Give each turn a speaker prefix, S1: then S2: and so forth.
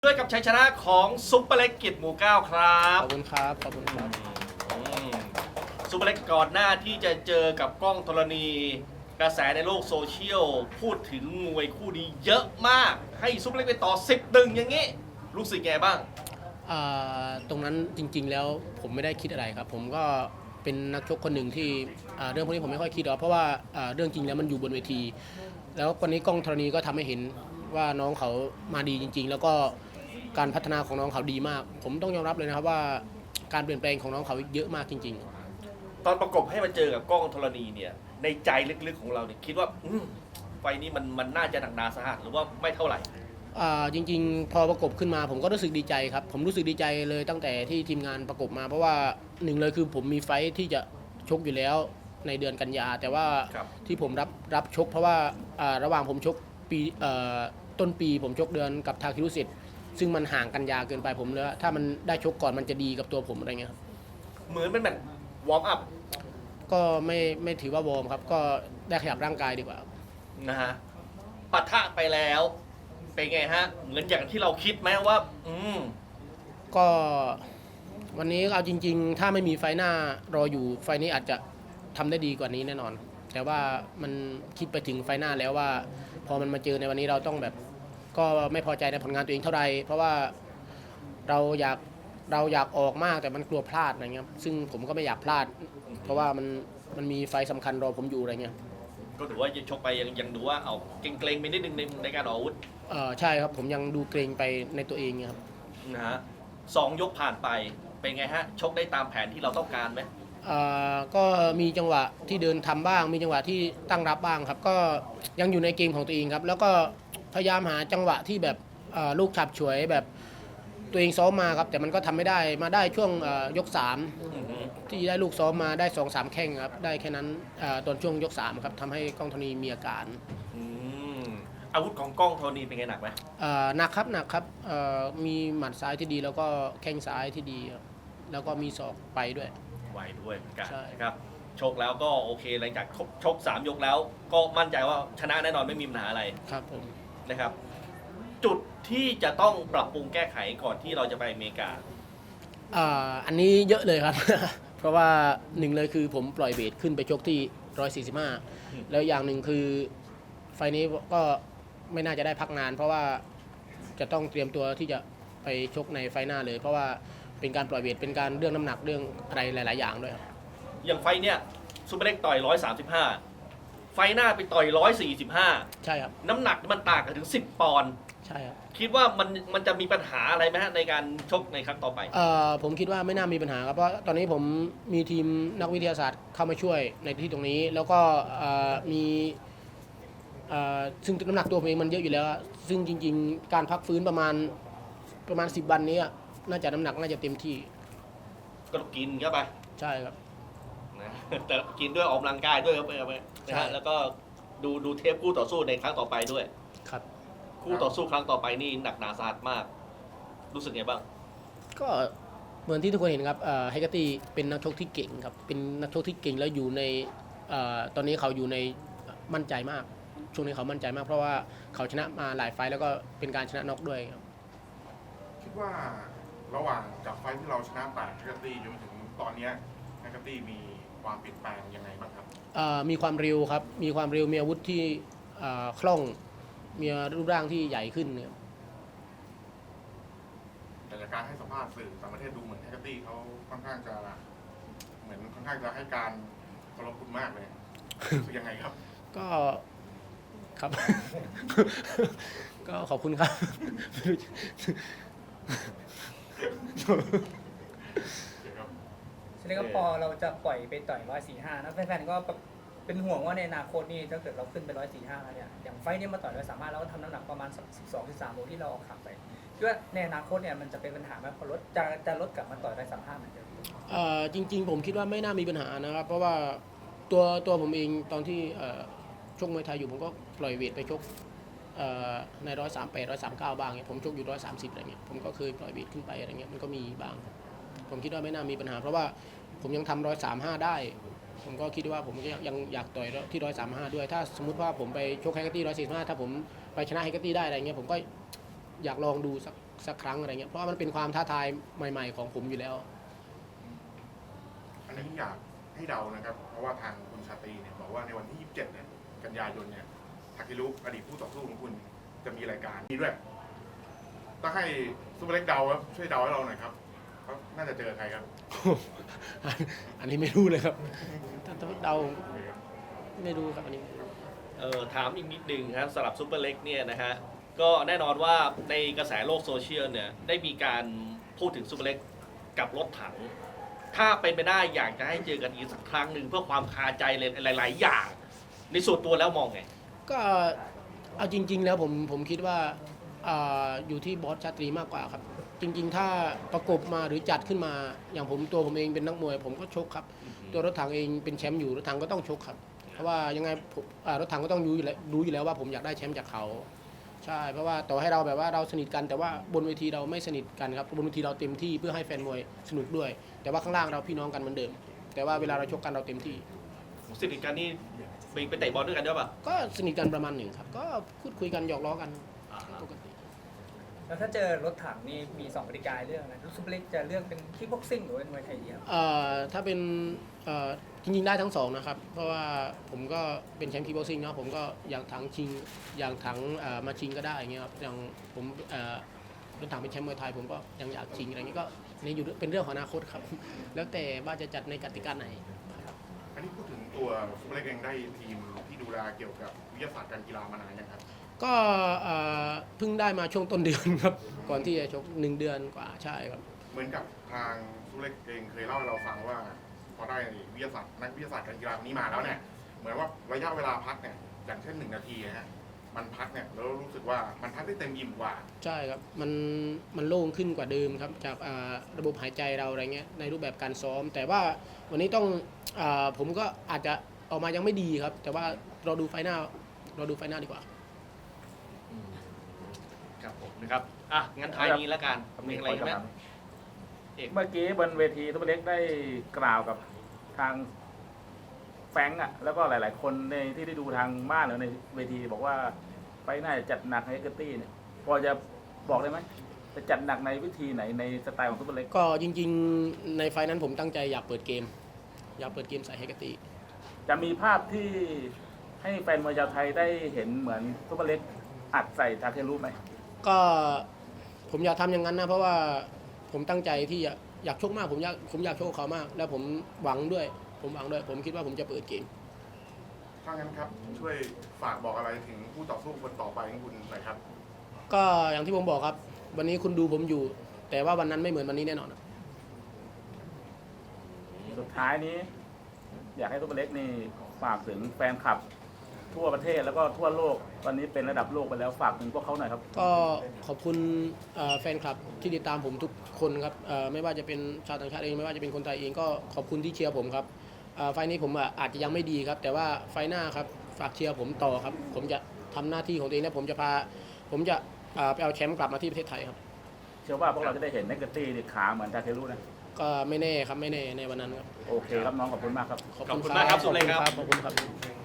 S1: ด้วยกับชัยชนะของซุปเปอร์เล็กเกียรติหมู่เก้าครับ
S2: ขอบคุณครับขอบคุณครับ
S1: อืมซุปเปอร์เล็กก่อนหน้าที่จะเจอกับกล้องธรณีกระแสในโลกโซเชียลพูดถึงมวยคู่นี้เยอะมากให้ซุปเปอร์เล็กไปต่อ10-1อย่างงี้รู้สึกไงบ้าง
S2: ตรงนั้นจริงๆแล้วผมไม่ได้คิดอะไรครับผมก็เป็นนักชกคนหนึ่งที่เรื่องพวกนี้ผมไม่ค่อยคิดหรอกเพราะว่าเรื่องจริงแล้วมันอยู่บนเวที แล้ววันนี้กล้องธรณีก็ทำให้เห็นว่าน้องเขามาดีจริงๆแล้วก็การพัฒนาของน้องเขาดีมากผมต้องยอมรับเลยนะครับว่าการเปลี่ยนแปลงของน้องเขาเยอะมากจริง
S1: ตอนประกบให้มาเจอกับกล้องธรณีเนี่ยในใจลึกๆของเราเนี่ยคิดว่าไฟนี้มันน่าจะหนักหนาสาหัสหรือว่าไม่เท่าไหร่
S2: จริงๆพอประกบขึ้นมาผมก็รู้สึกดีใจครับผมรู้สึกดีใจเลยตั้งแต่ที่ทีมงานประกบมาเพราะว่าหนึ่งเลยคือผมมีไฟท์ที่จะชกอยู่แล้วในเดือนกันยาแต่ว่าที่ผมรับชกเพราะว่าระหว่างผมชกปีต้นปีผมชกเดือนกับทาคิรุสิทธิ์ซึ่งมันห่างกันยาเกินไปผมเลยถ้ามันได้ชกก่อนมันจะดีกับตัวผมอะไรเงี้ยครับ
S1: เหมือนเป็นแบบวอร์มอัพ
S2: ก็ไม่ถือว่าวอร์มครับก็ได้ขยับร่างกายดีกว่า
S1: นะฮะปะทะไปแล้วเป็นไงฮะเหมือนอย่างที่เราคิดไหมว่า
S2: ก็วันนี้เอาจริงๆถ้าไม่มีไฟหน้ารออยู่ไฟนี้อาจจะทำได้ดีกว่านี้แน่นอนแต่ว่ามันคิดไปถึงไฟหน้าแล้วว่าพอมันมาเจอในวันนี้เราต้องแบบก็ไม่พอใจในผลงานตัวเองเท่าไหร่เพราะว่าเราอยากออกมากแต่มันกลัวพลาดอะไรเงี้ยซึ่งผมก็ไม่อยากพลาดเพราะว่ามันมีไฟสำคัญรอผมอยู่อะไรเงี้ย
S1: ก็ถือว่าชกไปยังดูว่าเอาเกรงๆไปนิดนึงในการออกอาวุธ
S2: ใช่ครับผมยังดูเกรงไปในตัวเองครับ
S1: นะฮะ2 ยกผ่านไปเป็นไงฮะชกได้ตามแผนที่เราต้องการไหม
S2: ก็มีจังหวะที่เดินทำบ้างมีจังหวะที่ตั้งรับบ้างครับก็ยังอยู่ในเกมของตัวเองครับแล้วก็พยายามหาจังหวะที่แบบลูกฉับฉวยแบบตัวเองซ้อมมาครับแต่มันก็ทำไม่ได้มาได้ช่วงยก3ที่ได้ลูกซ้อมมาได้ 2-3 แข้งครับได้แค่นั้นตอนช่วงยก3ครับทำให้กล้องธรณีมีอาการ
S1: อาวุธของกล้องธรณีเป็นไงหนักไหม
S2: หนักครับมีหมัดซ้ายที่ดีแล้วก็แข้งซ้ายที่ดีแล้วก็มีศอกไปด้วย
S1: ไวด้วยเหมือนกันครับชกแล้วก็โอเคหลังจากชก3 ยกแล้วก็มั่นใจว่าชนะแน่นอนไม่มีปัญหาอะไร
S2: ครับผม
S1: นะครับจุดที่จะต้องปรับปรุงแก้ไขก่อนที่เราจะไปอเมริกา
S2: อันนี้เยอะเลยครับ เพราะว่าหนึ่งเลยคือผมปล่อยเวทขึ้นไปชกที่145แล้วอย่างหนึ่งคือไฟนี้ก็ไม่น่าจะได้พักนานเพราะว่าจะต้องเตรียมตัวที่จะไปชกในไฟหน้าเลยเพราะว่าเป็นการปล่อยเวทเป็นการเรื่องน้ำหนักเรื่องอะไรหลายๆอย่างด้วยครับ
S1: อย่างไฟเนี่ยซูเปอร์เล็กต่อย135ไฟหน้าไปต่อย145
S2: ใช่ครับ
S1: น้ำหนักมันต่างกันถึง10 ปอนด์
S2: ใช่ครับ
S1: คิดว่ามันจะมีปัญหาอะไรไหมฮะในการชกในครั้งต่อไป
S2: ผมคิดว่าไม่น่ามีปัญหาครับเพราะตอนนี้ผมมีทีมนักวิทยาศาสตร์เข้ามาช่วยในที่ตรงนี้แล้วก็มีซึ่งน้ำหนักตัวผมเองมันเยอะอยู่แล้วซึ่งจริงๆการพักฟื้นประมาณ10 วันนี้น่าจะน้ำหนักน่าจะเต็มที่
S1: ก็กินเข้าไป
S2: ใช่ครับ
S1: นะแต่กินด้วยออกกำลังกายด้วยครับนะฮะแล้วก็ดูเทปคู่ต่อสู้ในครั้งต่อไปด้วย
S2: ครับ
S1: คู่ต่อสู้ครั้งต่อไปนี่หนักหนาสาหัสมากรู้สึกไงบ้าง
S2: ก็เหมือนที่ทุกคนเห็นครับไฮกาตี้เป็นนักชกที่เก่งครับเป็นนักชกที่เก่งแล้วอยู่ในตอนนี้เขาอยู่ในมั่นใจมากช่วงนี้เขามั่นใจมากเพราะว่าเขาชนะมาหลายไฟต์แล้วก็เป็นการชนะน็อกด้วยครับ
S3: คิดว่าระหว่างจากไฟที่เราชนะ8ไฮกาตี้จนถึงตอนนี้ไฮกาตี้มีความเปลี่ยนแปลงยังไงบ้างครับ
S2: มีความเร็วครับมีความเร็วมีอาวุธที่คล่องมีรูปร่างที่ใหญ่ขึ้นเนี่ย
S3: แต่จากการให้สัมภาษณ์สื่อต่างประเทศดูเหมือนไฮกาตี้เขาค่อนข้างจะให้การเคารพคุณมากเลยคือยังไงครับ
S2: ก็ครับ ก็ขอบคุณครับ
S4: ฉะนั้นก็พอเราจะปล่อยไปต่อย145นะแฟนๆก็เป็นห่วงว่าในอนาคตนี่ถ้าเกิดเราขึ้นไป145แล้วเนี่ยอย่างไฟนี้มาต่อย135แล้วก็ทำน้ำหนักประมาณ12-13 โลที่เราขับไปคิดว่าในอนาคตเนี่ยมันจะเป็นปัญหาไหมพอลดจะลดกลับมาต่อย135เหมือนเดิม
S2: จริงๆผมคิดว่าไม่น่ามีปัญหานะครับเพราะว่าตัวผมเองตอนที่ชกมวยไทยอยู่ผมก็ปล่อยเวทไปชกใน138 139บ้างเนี่ยผมชกอยู่130อะไรเงี้ยผมก็เคยปล่อยเวทขึ้นไปอะไรเงี้ยมันก็มีบ้างผมคิดว่าไม่น่ามีปัญหาเพราะว่าผมยังทำ135ได้ผมก็คิดว่าผมยังอยากต่อยที่135ด้วยถ้าสมมุติว่าผมไปชกไฮเกอร์ตี้145ถ้าผมไปชนะไฮเกอร์ตี้ได้อะไรเงี้ยผมก็อยากลองดูสักครั้งอะไรเงี้ยเพราะว่ามันเป็นความท้าทายใหม่ๆของผมอยู่แล้ว
S3: อันนี้อยากให้เดานะครับ เพราะว่าทางคุณชาตรีเนี่ยบอกว่าในวันที่ 27 เนี่ย กันยายนเนี่ยทาเครุอดีตผู้ต่อสู้ของคุณจะมีรายการนี้ด้วยต้องให้ซูเปอร์เล็กเดาครับช่วยเดาให้เราหน่อยครับเขาน่าจะเจอใครครับ
S2: อันนี้ไม่รู้เลยครับถ้าเดาไม่รู้ครับอันนี้
S1: ถามอีกนิดนึงครับสำหรับซูเปอร์เล็กเนี่ยนะฮะก็แน่นอนว่าในกระแสโลกโซเชียลเนี่ยได้มีการพูดถึงซูเปอร์เล็กกับรถถัง ถ้าเป็นไปได้อยากจะให้เจอกันอีกสักครั้งหนึ่งเพื่อความคาใจเลยหลาย ๆ อย่าง ในส่วนตัวแล้วมองไง
S2: ก็เอาจริง ๆ แล้วผมคิดว่าอยู่ที่บอสชาตรีมากกว่าครับ จริง ๆ ถ้าประกบมาหรือจัดขึ้นมาอย่างผมเองเป็นนักมวย ผมก็ชกครับ ตัวรถถังเองเป็นแชมป์อยู่รถถังก็ต้องชกครับ เพราะว่ายังไงรถถังก็ต้องรู้อยู่แล้วว่าผมอยากได้แชมป์จากเขาใช่เพราะว่าต่อให้เราแบบว่าเราสนิทกันแต่ว่าบนเวทีเราไม่สนิทกันครับบนเวทีเราเต็มที่เพื่อให้แฟนมวยสนุกด้วย แต่ว่าข้างล่างเราพี่น้องกันเหมือนเดิม แต่ว่าเวลาเราชกกันเราเต็มที่
S1: สนิทกันนี่ไปเตะบอลด้วยกันด้วยป่ะ
S2: ก็สนิทกันประมาณหนึ่งครับก็พูดคุยกันหยอกล้อกันปกติ
S4: แล้วถ้าเจอรถถังนี่มี2กติกาเรื่องนะซูเปอร์เล็กจะเลือกเป็นคิกบ็อกซิ่งหรือเป็นมวยไทยเดียว
S2: ถ้าเป็นจริงๆได้ทั้งสองนะครับ เพราะว่าผมก็เป็นแชมป์คิกบ็อกซิ่งเนาะผมก็อย่างถังชิงอย่างถังมาชิงก็ได้อย่างเงี้ยครับอย่างผมรถถังเป็นแชมป์มวยไทยผมก็ยังอยากชิงอะไรเงี้ยก็นี่อยู่เป็นเรื่องของอนาคตครับ แล้วแต่ว่าจะจัดในกติกาไหน
S3: อันนี้พูดถึงตัวซูเปอร์เล็กเองได้ทีมที่ดูแลเกี่ยวกับวิทยาศาสตร์การกีฬามานานยังครับ
S2: ก็เพิ่งได้มาช่วงต้นเดือนครับ ก่อนที่จะชก1 เดือนกว่าใช่ครับ
S3: เหมือนกับทางซูเปอร์เล็กเองเคยเล่าให้เราฟังว่า พอได้วิทยาศาสตร์นักวิทยาศาสตร์การกีฬาคนนี้มาแล้วเนี่ยเหมือนว่าระยะเวลาพักเนี่ยอย่างเช่น1 นาทีนะฮะมันพักเนี่ยแล้วรู้สึกว่ามันพักได้เต็มอิ่มกว่า
S2: ใช่ครับมันโล่งขึ้นกว่าเดิมครับจากระบบหายใจเราอะไรเงี้ยในรูปแบบการซ้อม แต่ว่าวันนี้ต้องผมก็อาจจะออกมายังไม่ดีครับ แต่ว่าเราดูไฟหน้าดีกว่า
S1: ครับผมนะครับงั้นท้ายนี้แล้วกันมีอะไรไหมเอก
S5: เมื่อกี้บนเวทีซุปเปอร์เล็กได้กล่าวกับทางแฟรงก์แล้วก็หลาย ๆ คนในที่ได้ดูทางบ้านหรือในเวทีบอกว่าไฟหน้าจะจัดหนักให้เกอร์ตี้เนี่ยพอจะบอกได้ไหมจะจัดหนักในวิธีไหนในสไตล์ของซุปเปอร์เล็ก
S2: ก็จริงๆในไฟนั้นผมตั้งใจอยากเปิดเกมใส่เฮกติ
S5: จะมีภาพที่ให้แฟนมวยชาวไทยได้เห็นเหมือนซุปเปอร์เล็กอัดใส่ทาเครุไหม
S2: ก็ผมอยากทำอย่างนั้นนะเพราะว่าผมตั้งใจที่อยากชกมากผมอยากชกเขามาก แล้วผมหวังด้วยผมคิดว่าผมจะเปิดเกม
S3: ถ้างั้นครับช่วยฝากบอกอะไรถึงผู้ต่อสู้คนต่อไปของคุณหน่อยครับ
S2: ก็อย่างที่ผมบอกครับ วันนี้คุณดูผมอยู่ แต่ว่าวันนั้นไม่เหมือนวันนี้แน่นอน
S5: สุดท้ายนี้ อยากให้ซุปเปอร์เล็กนี่ฝากถึงแฟนคลับทั่วประเทศแล้วก็ทั่วโลกตอนนี้เป็นระดับโลกไปแล้วฝากถึงพวกเขาหน่อยครับ
S2: ก็ขอบคุณแฟนคลับที่ติดตามผมทุกคนครับไม่ว่าจะเป็นชาวต่างชาติเองไม่ว่าจะเป็นคนไทยเองก็ขอบคุณที่เชียร์ผมครับไฟล์นี้ผมอาจจะยังไม่ดีครับ แต่ว่าไฟล์หน้าครับฝากเชียร์ผมต่อครับ ผมจะทำหน้าที่ของตัวเองและผมจะไปเอาแชมป์กลับมาที่ประเทศไทยครับ
S5: เชื่อว่าพวกเราจะได้เห็นเนกเกอร์ตี้ขาเหมือนทาเครุนะ
S2: ก็ไม่แน่ครับไม่แน่ในวันนั้นครับ
S5: โอเคครับน้องขอบคุณมากครับ
S1: ขอบคุณมากครับสุเล็กครับ
S2: ขอบคุณครับ